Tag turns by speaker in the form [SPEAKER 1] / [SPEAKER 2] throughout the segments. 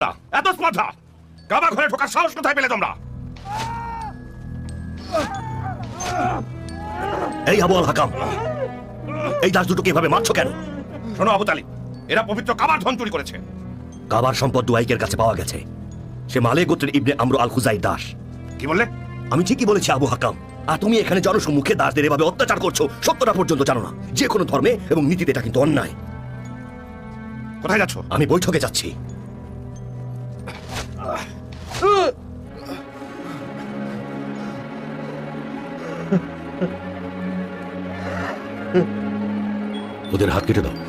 [SPEAKER 1] এত স্পর্ধা! কাবা ঘরে ঢোকার সাহস কোথায় পেলে তোমরা?
[SPEAKER 2] এই আবু আল হাকাম, এই দাস দুটোকে এভাবে মারছো কেন?
[SPEAKER 1] শোনো আবু তালিব, এরা পবিত্র কাবার ধন চুরি করেছে।
[SPEAKER 2] কাবার সম্পদ দুয়াইকের কাছে পাওয়া গেছে। সে মালে গোত্রের ইবনে আমর আল খুজাই দাস।
[SPEAKER 1] কি বললে?
[SPEAKER 2] আমি ঠিকই বলেছি আবু হাকাম। আর তুমি এখানে জনসম্মুখে দাসদের এভাবে অত্যাচার করছো, সত্যটা পর্যন্ত জানো না। যে কোনো ধর্মে এবং নীতিতে এটা কিন্তু অন্যায়।
[SPEAKER 1] কোথায় যাচ্ছ?
[SPEAKER 2] আমি বৈঠকে যাচ্ছি। ওদের হাত কেটে দাও।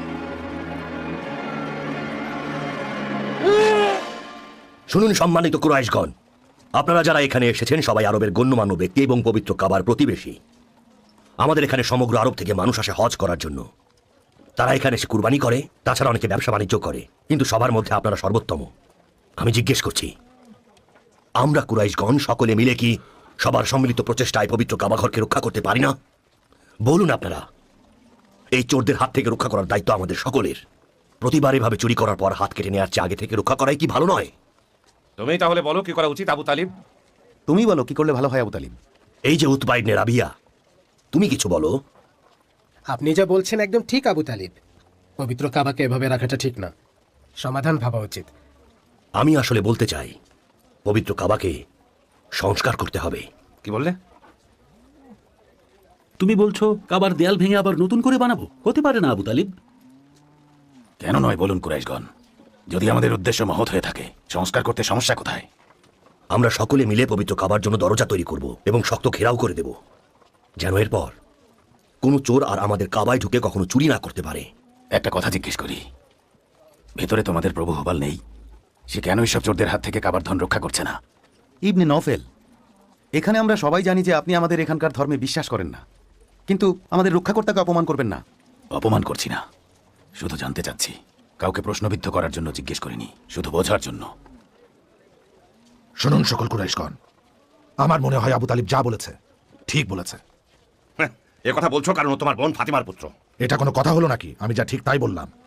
[SPEAKER 2] শুনুন সম্মানিত কুরাইশগণ, আপনারা যারা এখানে এসেছেন সবাই আরবের গণ্যমান্য ব্যক্তি এবং পবিত্র কাবার প্রতিবেশী। আমাদের এখানে সমগ্র আরব থেকে মানুষ আসে হজ করার জন্য। তারা এখানে এসে কুরবানি করে, তাছাড়া অনেকে ব্যবসা বাণিজ্য করে, কিন্তু সবার মধ্যে আপনারা সর্বোত্তম। আমি জিজ্ঞেস করছি, আমরা কুরাইশগণ সকলে মিলে কি সবার সম্মিলিত প্রচেষ্টায় পবিত্র কাবাঘরকে রক্ষা করতে পারি না? বলুন আপনারা। এই চোরদের হাত থেকে রক্ষা করার দায়িত্ব আমাদের সকলের। প্রতিবার এভাবে চুরি করার পর হাত কেটে নেওয়ার চেয়ে আগে থেকে রক্ষা করাই কি ভালো নয়?
[SPEAKER 1] তুমি তাহলে বলো কি করা উচিত আবু তালিব?
[SPEAKER 3] তুমি বলো কি করলে ভালো হয় আবু তালিব।
[SPEAKER 2] এই যে উতবা ইবনে রাবিয়া, তুমি কিছু বলো।
[SPEAKER 4] আপনি যা বলছেন একদম ঠিক আবু তালিব। পবিত্র কাবাকে এভাবে রাখাটা ঠিক না, সমাধান ভাবা উচিত।
[SPEAKER 2] আমি আসলে বলতে চাই, পবিত্র কাবাকে সংস্কার করতে হবে।
[SPEAKER 1] কি বললে?
[SPEAKER 5] তুমি বলছো কাবার দেয়াল ভেঙে আবার নতুন করে বানাবো? হতে পারে না আবু তালিব।
[SPEAKER 3] কেন নয় বলুন কুরাইশগণ? যদি আমাদের উদ্দেশ্য মহৎ হয়ে থাকে, সংস্কার করতে সমস্যা কোথায়?
[SPEAKER 2] আমরা সকলে মিলে পবিত্র কাবার জন্য দরজা তৈরি করব এবং শক্ত ঘেরাও করে দেব, যেন এরপর কোনো চোর আর আমাদের কাবায় ঢুকে কখনো চুরি না করতে পারে।
[SPEAKER 3] একটা কথা জিজ্ঞেস করি, ভেতরে তোমাদের প্রভু হুবাল নেই? সে কেন এইসব চোরদের হাত থেকে কাবার ধন রক্ষা করছে না?
[SPEAKER 6] ইবনে নফেল, এখানে আমরা সবাই জানি যে আপনি আমাদের এখানকার ধর্মে বিশ্বাস করেন না, কিন্তু আমাদের রক্ষাকর্তাকে অপমান করবেন না।
[SPEAKER 3] অপমান করছি না, শুধু জানতে চাচ্ছি। কাউকে প্রশ্নবিদ্ধ করার জন্য জিজ্ঞেস করিনি, শুধু বোঝার জন্য।
[SPEAKER 7] শুনুন সকল কুরাইশগণ, আমার মনে হয় আবু তালিব যা বলেছে ঠিক বলেছে।
[SPEAKER 1] এ কথা বলছো কারণ ও তোমার বোন ফাতিমার পুত্র।
[SPEAKER 7] এটা কোনো কথা হলো নাকি? আমি যা ঠিক তাই বললাম।